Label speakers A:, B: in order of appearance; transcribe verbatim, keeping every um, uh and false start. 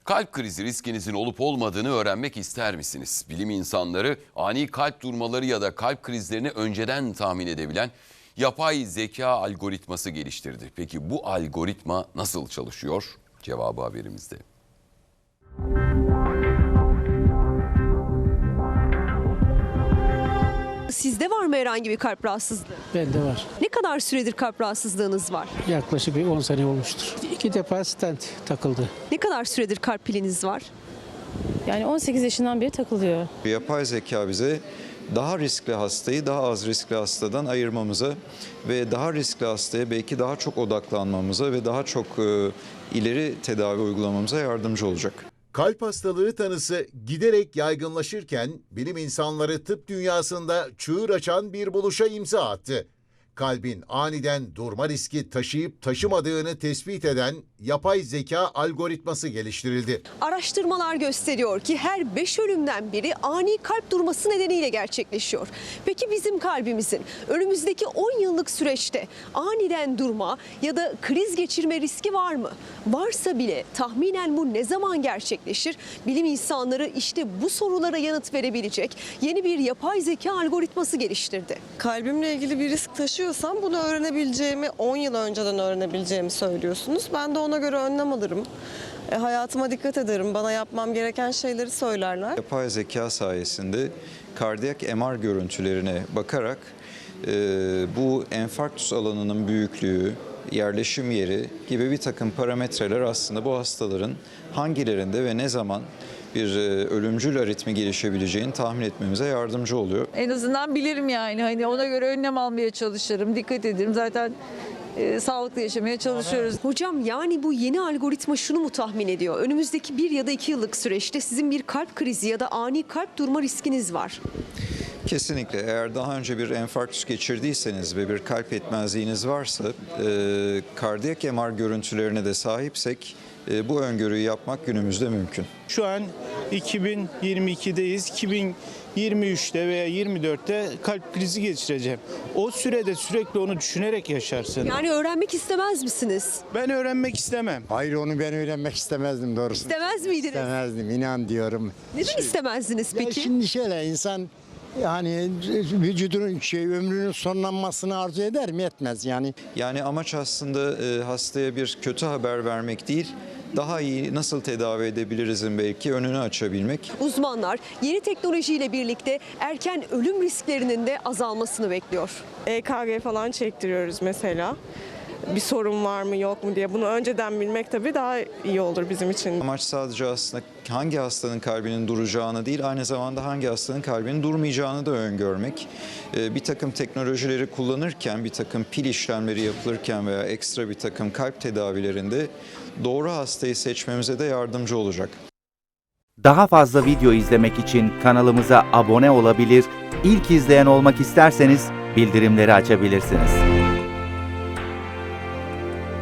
A: Kalp krizi riskinizin olup olmadığını öğrenmek ister misiniz? Bilim insanları ani kalp durmaları ya da kalp krizlerini önceden tahmin edebilen yapay zeka algoritması geliştirdi. Peki bu algoritma nasıl çalışıyor? Cevabı haberimizde.
B: Sizde var mı herhangi bir kalp rahatsızlığı?
C: Bende var.
B: Ne kadar süredir kalp rahatsızlığınız var?
C: Yaklaşık bir on sene olmuştur. İki defa stent takıldı.
B: Ne kadar süredir kalp piliniz var?
D: Yani on sekiz yaşından beri takılıyor.
E: Yapay zeka bize daha riskli hastayı daha az riskli hastadan ayırmamıza ve daha riskli hastaya belki daha çok odaklanmamıza ve daha çok e, ileri tedavi uygulamamıza yardımcı olacak.
F: Kalp hastalığı tanısı giderek yaygınlaşırken bilim insanları tıp dünyasında çığır açan bir buluşa imza attı. Kalbin aniden durma riski taşıyıp taşımadığını tespit eden yapay zeka algoritması geliştirildi.
B: Araştırmalar gösteriyor ki her beş ölümden biri ani kalp durması nedeniyle gerçekleşiyor. Peki bizim kalbimizin önümüzdeki on yıllık süreçte aniden durma ya da kriz geçirme riski var mı? Varsa bile tahminen bu ne zaman gerçekleşir? Bilim insanları işte bu sorulara yanıt verebilecek yeni bir yapay zeka algoritması geliştirdi.
G: Kalbimle ilgili bir risk taşıyorsam bunu öğrenebileceğimi, on yıl önceden öğrenebileceğimi söylüyorsunuz. Ben de ona göre önlem alırım. E, hayatıma dikkat ederim. Bana yapmam gereken şeyleri söylerler.
E: Yapay zeka sayesinde kardiyak M R görüntülerine bakarak e, bu enfarktüs alanının büyüklüğü, yerleşim yeri gibi bir takım parametreler aslında bu hastaların hangilerinde ve ne zaman bir ölümcül aritmi gelişebileceğini tahmin etmemize yardımcı oluyor.
H: En azından bilirim yani. Hani ona göre önlem almaya çalışırım, dikkat ederim. Zaten e, sağlıklı yaşamaya çalışıyoruz.
B: Hocam yani bu yeni algoritma şunu mu tahmin ediyor? Önümüzdeki bir ya da iki yıllık süreçte sizin bir kalp krizi ya da ani kalp durma riskiniz var.
E: Kesinlikle eğer daha önce bir enfarktüs geçirdiyseniz ve bir kalp yetmezliğiniz varsa e, kardiyak M R görüntülerine de sahipsek e, bu öngörüyü yapmak günümüzde mümkün.
I: Şu an iki bin yirmi iki'deyiz. iki bin yirmi üç'te veya yirmi dört'te kalp krizi geçireceğim. O sürede sürekli onu düşünerek yaşarsın.
B: Yani öğrenmek istemez misiniz?
I: Ben öğrenmek istemem.
J: Hayır, onu ben öğrenmek istemezdim doğrusu.
B: İstemez miydiniz?
J: İstemezdim, inan diyorum.
B: Neden istemezdiniz
J: Ya
B: peki?
J: şimdi şöyle insan yani vücudunun şey ömrünün sonlanmasını arzu eder mi? Etmez yani.
E: Yani amaç aslında e, hastaya bir kötü haber vermek değil, daha iyi nasıl tedavi edebilirizin belki önünü açabilmek.
B: Uzmanlar yeni teknolojiyle birlikte erken ölüm risklerinin de azalmasını bekliyor.
G: E K G falan çektiriyoruz mesela. Bir sorun var mı yok mu diye. Bunu önceden bilmek tabii daha iyi olur bizim için.
E: Amaç sadece aslında hangi hastanın kalbinin duracağını değil, aynı zamanda hangi hastanın kalbinin durmayacağını da öngörmek. Ee, bir takım teknolojileri kullanırken, bir takım pil işlemleri yapılırken veya ekstra bir takım kalp tedavilerinde doğru hastayı seçmemize de yardımcı olacak.
K: Daha fazla video izlemek için kanalımıza abone olabilir, ilk izleyen olmak isterseniz bildirimleri açabilirsiniz.